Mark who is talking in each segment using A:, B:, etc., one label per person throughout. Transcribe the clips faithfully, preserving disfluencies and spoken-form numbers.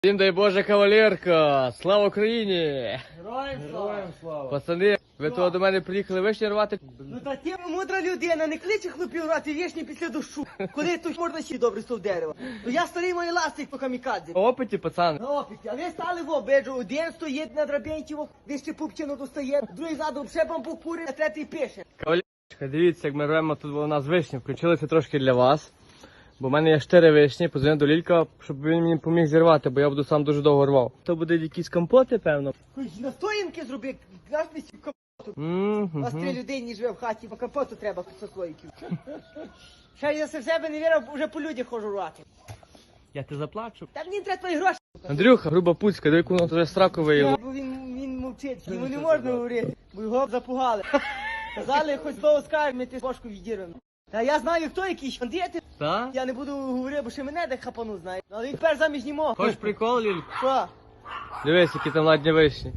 A: Всім дай Боже, кавалерка! Слава Україні!
B: Героям слава!
A: слава! Пацани, ви того до мене приїхали вишні рвати?
B: Ну та ти мудра людина, не кличе хлопів рвати вішні після дощу. Коли тут можна ще добре стов дерева. Ну я старий мої ластик по камікадзі.
A: По опиті, пацан.
B: На опіті, а ви стали в обиджу, один стоїть на драбінці, ви ще пупчину достає, другий ззаду все бамбук курить, а третій пише.
A: Кавалерка, дивіться, як ми рвемо тут у нас вишні. Включилися трошки для вас. Бо в мене є чотири вишні, подзвонив до Лілька, щоб він мені поміг зірвати, бо я буду сам дуже довго рвав. То буде якісь компоти, певно.
B: Хоч настоянки зроби, наш не сів капоту.
A: Mm-hmm.
B: У вас три людині живе в хаті, по капоту треба сослоїків. Ще я в себе не вірив, вже по людях хожу рвати.
A: Я ти заплачу.
B: Та мені треба твої гроші.
A: Андрюха, груба пуцька, диви, воно вже сраку виявило.
B: Бо він, він мовчить, йому не можна говорити, бо його запугали. Казали, хоч слово скажеш, ми ти бошку відірвемо. Та я знаю, хто якийсь бандити.
A: Так?
B: Я не буду говорити, бо ще мене де хапану знає. Але він тепер заміж не мог.
A: Хочеш прикол, Лілька?
B: Що?
A: Дивись, які там ладні вишні.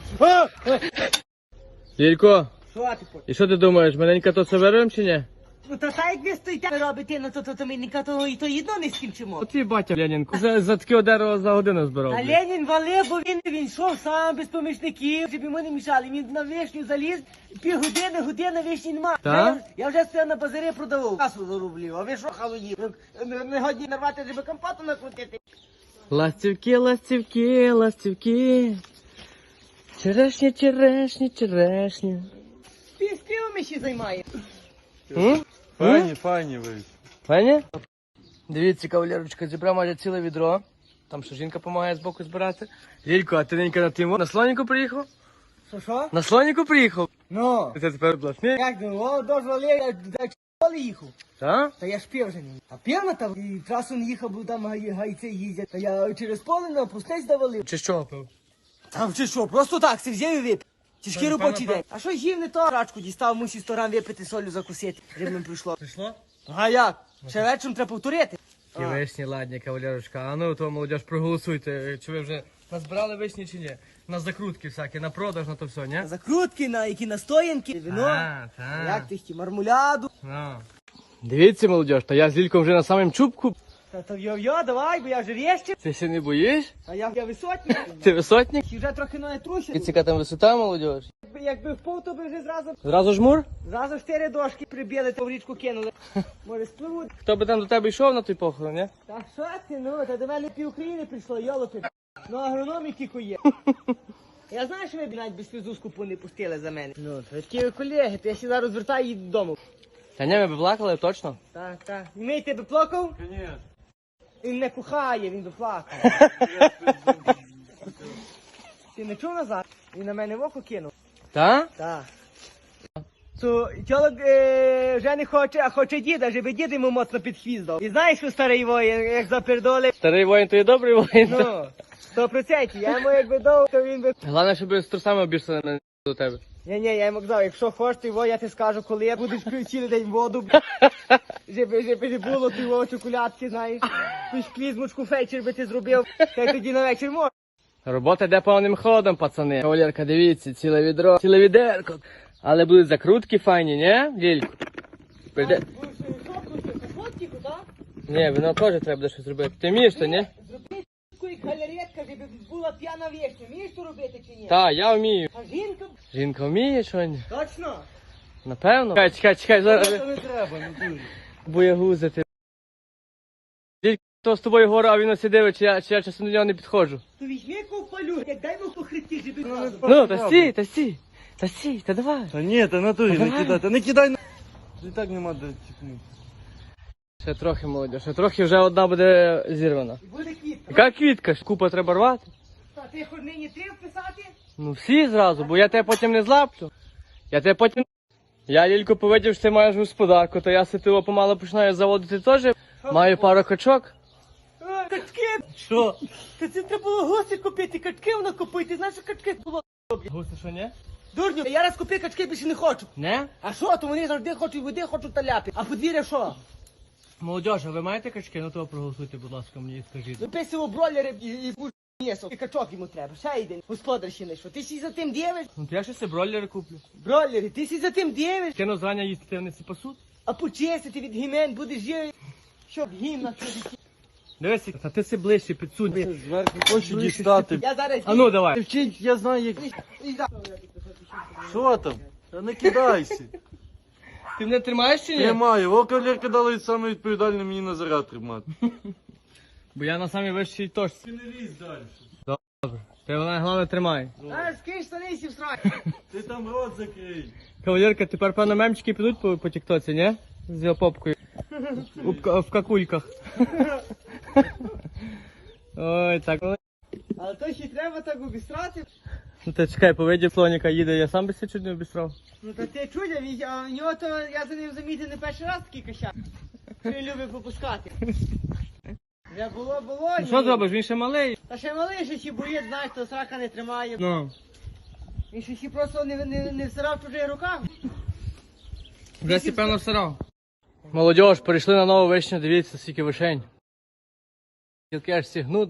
A: Лілько,
B: Що ти по?
A: і що ти думаєш, маленька то це вирвем чи ні?
B: Ну та та як ви стоїте робите, ну то то, то ми ніка того і то єдно не скінчимо.
A: От твій батя Ленінку за, за таке дерево за годину збирав.
B: А
A: блін.
B: Ленін валив, бо він, він йшов сам без помічників, щоб йому не мішали. Він на вишню заліз, пів години, година вишні нема.
A: Та?
B: Я, я вже стояв на базарі продавав. Касу зарублів, а ви що халуїв? Не, не годні нарвати, щоб компоту накрутити.
A: Ластівки, ластівки, ластівки. Черешні, черешні, черешні.
B: Ти співами ще займає.
A: М?
C: Файні, файні ви.
A: Файні? Дивіться, кавалерочка, зібрав майже ціле відро. Там що жінка допомагає збоку збирати. Лілько, а ти ненька на тимо? На слоніку приїхав?
B: Що що?
A: На слоніку приїхав?
B: Ну.
A: Ти тепер обласний?
B: Як ну, о, дозволив, я до школи їхав.
A: Так?
B: Та я ж пів вже не їхав. А пів там, і трасу не їхав, бо там гай- гайці їздять. Та я через поле на пустець давалив.
A: Чи що пив?
B: Там чи що, просто так, си взяв і випив. Тяжкий робочий день. А що їв не то? Рачку дістав, мусив сто грам випити, солю закусити, рибним прийшло.
A: Прийшло?
B: А як? Ще вечором треба повторити.
A: Ті вишні, ладні, кавалерочка. А ну, то, молодіж, проголосуйте, чи ви вже назбирали вишні чи ні? На закрутки всякі, на продаж, на то все, ні?
B: Закрутки, на які настоянки, вино.
A: А, так.
B: Як ти хотів, мармуляду.
A: Ну. Дивіться, молодіж, та я з Лільком вже на самому чубку.
B: Та то йо-йо, давай, бо я вже рєщив.
A: Ти ще не боїш?
B: А я, я висотник.
A: Ти висотник?
B: І вже трохи ноги трусять.
A: Яка там висота, молодіж?
B: Якби, якби впав, то би вже зразу,
A: Зразу жмур?
B: зразу чотири дошки прибили, то в річку кинули. Може спливуть.
A: Хто би там до тебе йшов на той похорон, ні?
B: Та що ти, ну, та до мене пів України прийшло, йолопи. Ну, агрономі кіко є. Я знаю, що ви б навіть без фізуску не пустили за мене. Ну, то такі колеги, то я ще зараз звертаю і додому.
A: Та ні, ми б плакали, точно.
B: Так, так. Мій тебе плакав?
C: Ні.
B: Він не кохає, він доплакав. Ти не чув назад? Він на мене в око кинув.
A: Та?
B: Так. То тіло е, вже не хоче, а хоче діда, щоб дід йому моцно під хвіст дав. І знаєш, що старий воїн, як запердолив?
A: Старий воїн, то є добрий воїн.
B: Ну, сто процентів. Я йому якби дав, то він би...
A: Головне, щоб з трусами обірсали на до тебе.
B: Ні, ні, я йому казав, якщо хочеш, то його, я ти скажу, коли я будеш пив цілий день воду, щоб, щоб не було ти його чоколядки, знаєш. Ту клізмочку фейчер би ти зробив, та й тоді на вечір можеш.
A: Робота йде повним ходом, пацани. Кавалерка, дивіться, ціле відро, ціле відерко. Але будуть закрутки файні, ні, Лілько? Прийде... Ні, вино теж треба буде щось зробити. Ти вмієш то, ні?
B: Зроби таку галеретка, щоб була п'яна вічня. Вмієш то робити чи ні?
A: Так, я вмію.
B: А жінка?
A: Жінка вміє що ні?
B: Точно?
A: Напевно. Чекай, чекай, чекай, зараз.
C: Це не треба, не дуже.
A: Боягузити. Лілько, то з тобою гора, а він ось дивить, чи я, чи я часом до нього не підходжу.
B: То візьми ковпалю, як дай му по хребті, щоб зразу.
A: Ну, та стій, та стій. Та стій, та давай.
C: Та ні, та натурі не кидай, та не кидай на... І так нема де тікнути.
A: Ще трохи, молодь, ще трохи вже одна буде зірвана.
B: І буде квітка.
A: Яка квітка? ж? Купа треба рвати.
B: Та ти хоч нині три вписати?
A: Ну всі зразу, бо я тебе потім не злаплю. Я тебе потім... Я, Лілько, повидів, що ти маєш господарку, то я ситило помало починаю заводити теж. Маю пару качок.
B: А, качки!
A: Що?
B: Та це треба було гуси купити, качки воно купити. Знаєш, що качки було?
A: Гуси, що ні?
B: Дурню, я раз купив качки, більше не хочу.
A: Не?
B: А що, то вони завжди хочуть води, хочуть таляти. А подвір'я що?
A: Молодіж, а ви маєте качки? Ну то проголосуйте, будь ласка, мені скажіть.
B: Виписував бройлери і, і кур м'ясо. І качок йому треба. Ще один. Господар ще не що. Ти сі за тим дивиш?
A: Ну то я ще себе бройлери куплю.
B: Бройлери, ти сі за тим дивиш?
A: Кину зрання їсти, ти вони всі пасуть.
B: А почистити від гімен будеш жити. Щоб гімна тобі.
A: Дивись, та ти си ближче підсунь.
C: Зверху хочу дістати.
B: Я зараз...
A: А ну давай.
C: Вчить, я знаю, як.
B: Іди.
C: Що там? Та не кидайся.
A: Ти мене тримаєш чи ні?
C: Тримаю. О, кавалерка дали саме відповідальне мені на заряд тримати.
A: Бо я на самій вищій точці.
C: Ти не лізь далі.
A: Ти вона головне тримай.
B: Зараз скинь штани і сів срать.
C: Ти там рот закрий.
A: Кавалерка, тепер певно мемчики підуть по, по тіктоці, ні? З його попкою. У, ка- в какульках. Ой, так.
B: Але то ще треба так обістрати.
A: Ну ти чекай, по виді слоніка їде, я сам би себе чуть не обістрав.
B: Ну та ти чудя, він- а в нього то я за ним замітив не перший раз такий кощак. Що він любить попускати. Вже було, було.
A: Ну
B: ні.
A: що зробиш, він ще малий.
B: Та ще малий, що ще боїть, знаєш, то срака не тримає.
A: Ну,
B: Він ще ще просто не, не, не всирав в чужих руках.
A: вже сі певно всирав. Молодіж, перейшли на нову вишню, дивіться, скільки вишень. Тільки аж сігнуть.